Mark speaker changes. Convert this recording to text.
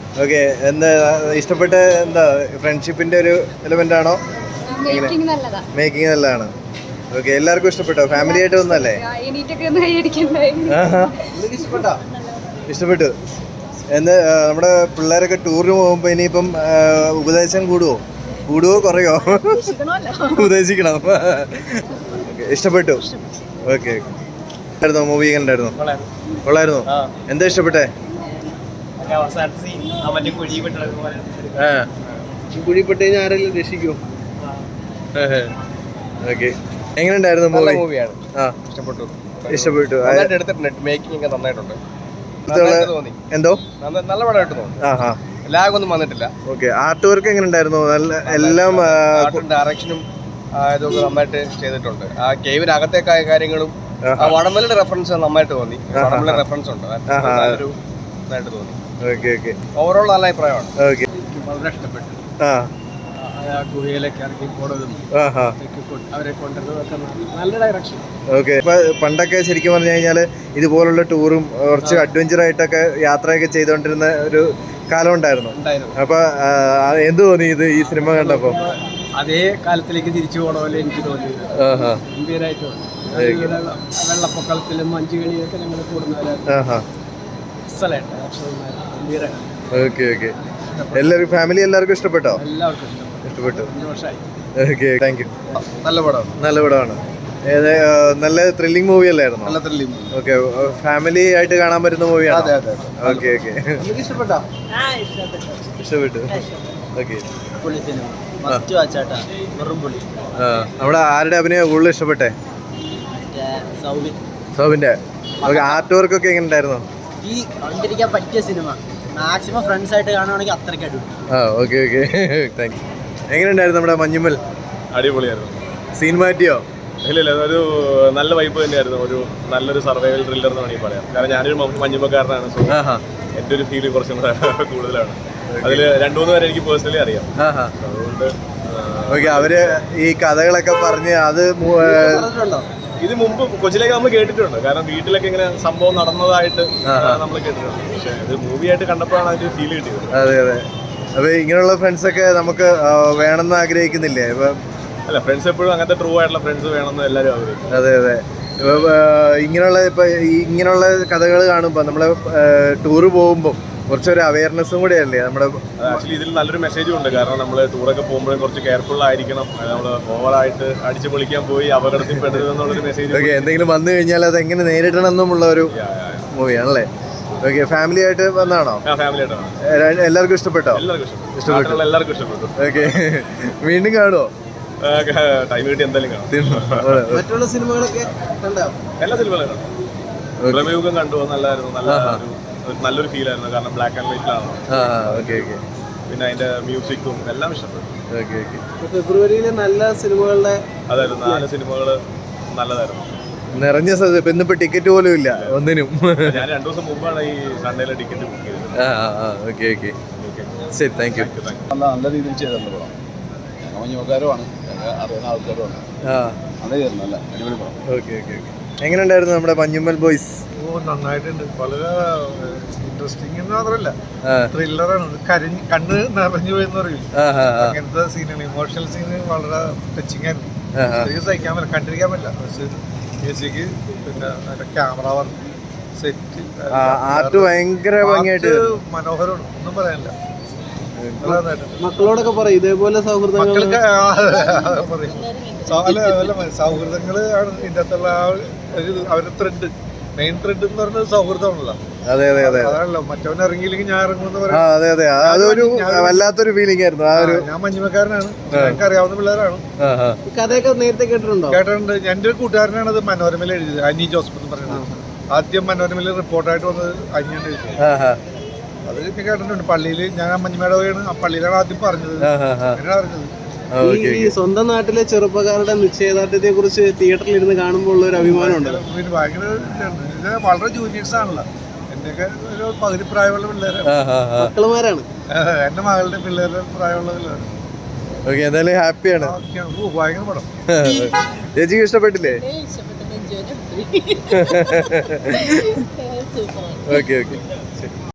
Speaker 1: Okay, എന്താ ഇഷ്ടപ്പെട്ട എന്താ ഫ്രണ്ട്ഷിപ്പിന്റെ ഒരു എലിമെന്റ് ആണോ? മേക്കിംഗ് നല്ലതാണ്. ഓക്കെ, എല്ലാവർക്കും ഇഷ്ടപ്പെട്ടോ? ഫാമിലി ആയിട്ട് വന്നല്ലേ? ഇഷ്ടപ്പെട്ടു. എന്താ നമ്മുടെ പിള്ളേരൊക്കെ ടൂറിന് പോകുമ്പോ ഇനിയിപ്പം ഉപദേശം കൂടുവോ കുറയോ? ഉപദേശിക്കണം. ഇഷ്ടപ്പെട്ടു. ഓക്കെ, മൂവി കണ്ടായിരുന്നു? കൊള്ളായിരുന്നു. എന്താ ഇഷ്ടപ്പെട്ടെ? കുഴിപ്പെട്ട് കഴിഞ്ഞാൽ ആരെങ്കിലും രക്ഷിക്കൂ. ഓക്കെ, എങ്ങനെയുണ്ടായിരുന്നു മൂവി?
Speaker 2: മൂവിയാണ്,
Speaker 1: ഇഷ്ടപ്പെട്ടു.
Speaker 2: മേക്കിംഗ് ഒക്കെ നന്നായിട്ടുണ്ട്.
Speaker 1: എന്തോ
Speaker 2: നല്ല പടമായിട്ട് തോന്നി. ലാഗ് ഒന്നും വന്നിട്ടില്ല.
Speaker 1: ഓക്കെ, ആർട്ട് വർക്ക് എങ്ങനെ ഉണ്ടായിരുന്നു? എല്ലാം
Speaker 2: ഡയറക്ഷനും ഇതൊക്കെ നന്നായിട്ട് ചെയ്തിട്ടുണ്ട്. ആ കേവിനകത്തേക്കായ കാര്യങ്ങളും വടംവലിയുടെ റെഫറൻസ് നന്നായിട്ട് തോന്നി. വടംവലി റെഫറൻസ് ഉണ്ട്, നല്ലൊരു ഇതായിട്ട് തോന്നി. ഓവറോൾ നല്ല അഭിപ്രായമാണ്. വളരെ ഇഷ്ടപ്പെട്ടു. ഗുഹയിലേക്ക് ഇറക്കി പോണതും അവരെ കൊണ്ടുവരുന്നതൊക്കെ നല്ല ഡയറക്ഷൻ.
Speaker 1: ഓക്കെ, ഇപ്പൊ പണ്ടൊക്കെ ശരിക്കും പറഞ്ഞു കഴിഞ്ഞാല് ഇതുപോലുള്ള ടൂറും കുറച്ച് അഡ്വഞ്ചർ ആയിട്ടൊക്കെ യാത്രയൊക്കെ ചെയ്തുകൊണ്ടിരുന്ന ഒരു കാലം ഉണ്ടായിരുന്നു. അപ്പൊ എന്ത് തോന്നി ഇത് ഈ സിനിമ കണ്ടപ്പോ?
Speaker 2: അതേ കാലത്തിലേക്ക് തിരിച്ചു പോണ പോലെ എനിക്ക് തോന്നിയത്. ഗംഭീരമായിട്ട് തോന്നി. വെള്ളപ്പൊക്കത്തിലും മഞ്ഞുകളിയൊക്കെ ഞങ്ങൾ കൂടുന്നവരാണ്.
Speaker 1: ഓക്കെ ഓക്കെ, എല്ലാവർക്കും ഫാമിലി എല്ലാവർക്കും ഇഷ്ടപ്പെട്ടോ?
Speaker 2: എല്ലാവർക്കും
Speaker 1: ഇഷ്ടപ്പെട്ടു. Okay, thank you.
Speaker 2: നല്ല
Speaker 1: പടമാണ്. നല്ല ത്രില്ലിംഗ് മൂവി അല്ലായിരുന്നു?
Speaker 2: നല്ല ത്രില്ലിംഗ്.
Speaker 1: ഓക്കെ, ഫാമിലി ആയിട്ട് കാണാൻ പറ്റുന്ന മൂവിയാണ്. ഓക്കെ ഓക്കെ, ഇഷ്ടപ്പെട്ടു. ഓക്കെ, നമ്മുടെ ആരുടെ അഭിനയം കൂടുതൽ ഇഷ്ടപ്പെട്ടെ? സൗബിന്റെ. ഓക്കെ, ആർട്ട് വർക്ക് ഒക്കെ എങ്ങനെ ഉണ്ടായിരുന്നു?
Speaker 3: ഈ കണ്ടിരിക്കാൻ പറ്റിയ സിനിമ, മാക്സിമം ഫ്രണ്ട്സ് ആയിട്ട് കാണുവാണെങ്കിൽ അത്രയ്ക്ക് അടിപൊളി.
Speaker 1: Okay okay, thanks. എങ്ങനെയുണ്ടായിരുന്നു നമ്മുടെ മഞ്ഞുമ്മൽ?
Speaker 4: അടിപൊളിയായിരുന്നു.
Speaker 1: സീൻ മാറ്റിയോ?
Speaker 4: ഇല്ല, ഒരു നല്ല വൈബ് തന്നെയായിരുന്നു. ഒരു നല്ലൊരു സർവൈവൽ ത്രില്ലർ എന്ന് വേണമെങ്കിൽ പറയാം. കാരണം ഞാനൊരു മഞ്ഞുമ്മക്കാരനാണ്. സോ എൻ്റെ ഒരു ഫീല് കുറച്ചും കൂടെ കൂടുതലാണ്. അതിൽ 2-3 പേരെ എനിക്ക് പേഴ്സണലി അറിയാം. അതുകൊണ്ട്
Speaker 1: ഓക്കെ, അവര് ഈ കഥകളൊക്കെ പറഞ്ഞ് അത്
Speaker 4: ഇത് മുമ്പ് കൊച്ചിയിലേക്ക് നമ്മൾ കേട്ടിട്ടുണ്ട്. കാരണം വീട്ടിലൊക്കെ ഇങ്ങനെ സംഭവം നടന്നതായിട്ട് നമ്മൾ കേട്ടിട്ടുണ്ട്. പക്ഷെ ഇത് മൂവിയായിട്ട് കണ്ടപ്പോഴാണ് അതിന്റെ ഫീൽ കിട്ടിയത്.
Speaker 1: അതെ അതെ. അപ്പൊ ഇങ്ങനെയുള്ള ഫ്രണ്ട്സ് ഒക്കെ നമുക്ക് വേണമെന്ന് ആഗ്രഹിക്കുന്നില്ലേ?
Speaker 4: അല്ല, ഫ്രണ്ട്സ് എപ്പോഴും അങ്ങനത്തെ ട്രൂ ആയിട്ടുള്ള ഫ്രണ്ട്സ് വേണമെന്ന് എല്ലാവരും ആഗ്രഹിക്കും.
Speaker 1: അതെ അതെ. ഇങ്ങനെയുള്ള കഥകൾ കാണുമ്പോൾ നമ്മള് ടൂറ് പോകുമ്പോൾ കുറച്ചൊരു അവയർനെസ്സും കൂടെ അല്ലേ നമ്മുടെ?
Speaker 4: ആക്ച്വലി ഇതിൽ നല്ലൊരു മെസ്സേജും ഉണ്ട്. കാരണം നമ്മൾ ടൂറൊക്കെ പോകുമ്പോഴും കുറച്ച് കെയർഫുൾ ആയിരിക്കണം. നമ്മൾ ഓവറായിട്ട് അടിച്ചു പൊളിക്കാൻ പോയി അപകടത്തിൽ പെടരുതെന്നുള്ളൊരു മെസ്സേജ്.
Speaker 1: ഓക്കെ, എന്തെങ്കിലും വന്നു കഴിഞ്ഞാൽ അത് എങ്ങനെ നേരിടണം എന്നുമുള്ള ഒരു മൂവിയാണല്ലേ? ഓക്കെ, ഫാമിലി ആയിട്ട് വന്നാണോ?
Speaker 4: ഫാമിലി ആയിട്ടാണ്.
Speaker 1: എല്ലാവർക്കും ഇഷ്ടപ്പെട്ടോ?
Speaker 4: എല്ലാവർക്കും ഇഷ്ടപ്പെട്ടു.
Speaker 1: ഓക്കെ, വീണ്ടും കാണുമോ?
Speaker 4: ടൈം കിട്ടി എന്തായാലും കാണാം.
Speaker 3: മറ്റുള്ള സിനിമകളൊക്കെ
Speaker 4: എല്ലാ സിനിമകളും കാണാം. പ്രമേയുഗം കണ്ടു, നല്ലതായിരുന്നു. നല്ലൊരു ഫീൽ ആയിരുന്നു. കാരണം ബ്ലാക്ക് ആൻഡ് വൈറ്റിലാണ്. പിന്നെ അതിന്റെ മ്യൂസിക്കും എല്ലാം ഇഷ്ടപ്പെട്ടു.
Speaker 3: ഫെബ്രുവരിയിലെ നല്ല സിനിമകളുടെ
Speaker 4: അതായിരുന്നു. 4 സിനിമകൾ നല്ലതായിരുന്നു.
Speaker 1: നിറഞ്ഞ സ്ഥലത്ത് ഇന്നിപ്പോ ടിക്കറ്റ് പോലും ഇല്ല ഒന്നിനും.
Speaker 4: ഞാൻ 2 ദിവസം മുമ്പാണ് ഈ സൺഡേയിലെ ടിക്കറ്റ് ബുക്ക് ചെയ്തത്.
Speaker 1: ശരി, താങ്ക് യു.
Speaker 2: നല്ല രീതിയിൽ ചെയ്തിട്ടുണ്ട് പടം. മഞ്ഞുമക്കാരുമാണ്, അറിയുന്ന ആൾക്കാരുമാണ്. നല്ല അടിപൊളി പടം.
Speaker 1: ഓക്കെ. എങ്ങനെയുണ്ടായിരുന്നു നമ്മുടെ മഞ്ഞുമ്മൽ ബോയ്സ്?
Speaker 5: നന്നായിട്ടുണ്ട്. വളരെ ഇൻട്രസ്റ്റിംഗ് എന്ന് മാത്രമല്ല, ത്രില്ലറാണ്. കണ്ണ് നിറഞ്ഞു പോയെന്ന് പറയും. അങ്ങനത്തെ സീനുകൾ, ഇമോഷണൽ സീന് വളരെ ടച്ചിങ് ആയിരുന്നു. സഹിക്കാൻ പറ്റില്ല, കണ്ടിരിക്കാൻ പറ്റില്ല. മ്യൂസിക്, പിന്നെ അതിന്റെ ക്യാമറ വർക്ക്, സെറ്റ്,
Speaker 1: ആർട്ട് ഭയങ്കര ഭംഗിയായിട്ട്
Speaker 5: മനോഹരമാണ്. ഒന്നും പറയാനില്ല.
Speaker 3: മക്കളോടൊക്കെ പറയും ഇതേപോലെ സൗഹൃദങ്ങൾ.
Speaker 5: സൗഹൃദങ്ങള് ആണ് ഇതിന്റെ അകത്തുള്ള അവരുടെ ത്രെഡ്, മെയിൻ ത്രെഡ് എന്ന് പറഞ്ഞത് സൗഹൃദമാണല്ലോ.
Speaker 1: അതെ
Speaker 5: അതാണല്ലോ. മറ്റവൻ ഇറങ്ങിയില്ലെങ്കിൽ ഞാൻ ഇറങ്ങുമെന്ന് പറയാം.
Speaker 1: അതെ, അതൊരു വല്ലാത്തൊരു ഫീലിംഗ് ആയിരുന്നു.
Speaker 5: ഞാൻ മഞ്ഞുമക്കാരനാണ്, എനിക്ക് അറിയാവുന്ന പിള്ളേരാണ്.
Speaker 3: കഥയൊക്കെ നേരത്തെ കേട്ടിട്ടുണ്ട്.
Speaker 5: എൻ്റെ ഒരു കൂട്ടുകാരനാണ് അത് മനോരമയിൽ എഴുതിയത്, അനി ജോസഫ് എന്ന് പറയുന്നത്. ആദ്യം മനോരമയിൽ റിപ്പോർട്ടായിട്ട് വന്നത് അനിയാണ് എഴുതിയത്. അത് കേട്ടിട്ടുണ്ട്. പള്ളിയിൽ ഞാൻ മഞ്ഞുമേട പോയാണ്, ആ പള്ളിയിലാണ് ആദ്യം പറഞ്ഞത്. അങ്ങനെയാണ് അറിഞ്ഞത്.
Speaker 3: ഈ സ്വന്തം നാട്ടിലെ ചെറുപ്പക്കാരുടെ നിശ്ചയദാർഢ്യത്തെ കുറിച്ച് തിയേറ്ററിൽ ഇരുന്ന് കാണുമ്പോൾ ഉള്ള ഒരു അഭിമാനമുണ്ട്.
Speaker 5: ഭയങ്കര വളരെ ജൂനിയേഴ്സ് ആണല്ലോ. എന്റെയൊക്കെ ഒരു പകുതി പ്രായമുള്ള പിള്ളേരാണ്,
Speaker 3: മക്കളുമാരാണ്.
Speaker 5: എന്റെ മകളുടെ പിള്ളേരുടെ പ്രായമുള്ള പിള്ളേരാണ്.
Speaker 1: എന്തായാലും ഹാപ്പിയാണ്.
Speaker 5: ഭയങ്കര പടം.
Speaker 1: ചേച്ചിക്ക് ഇഷ്ടപ്പെട്ടില്ലേ? ഓക്കെ.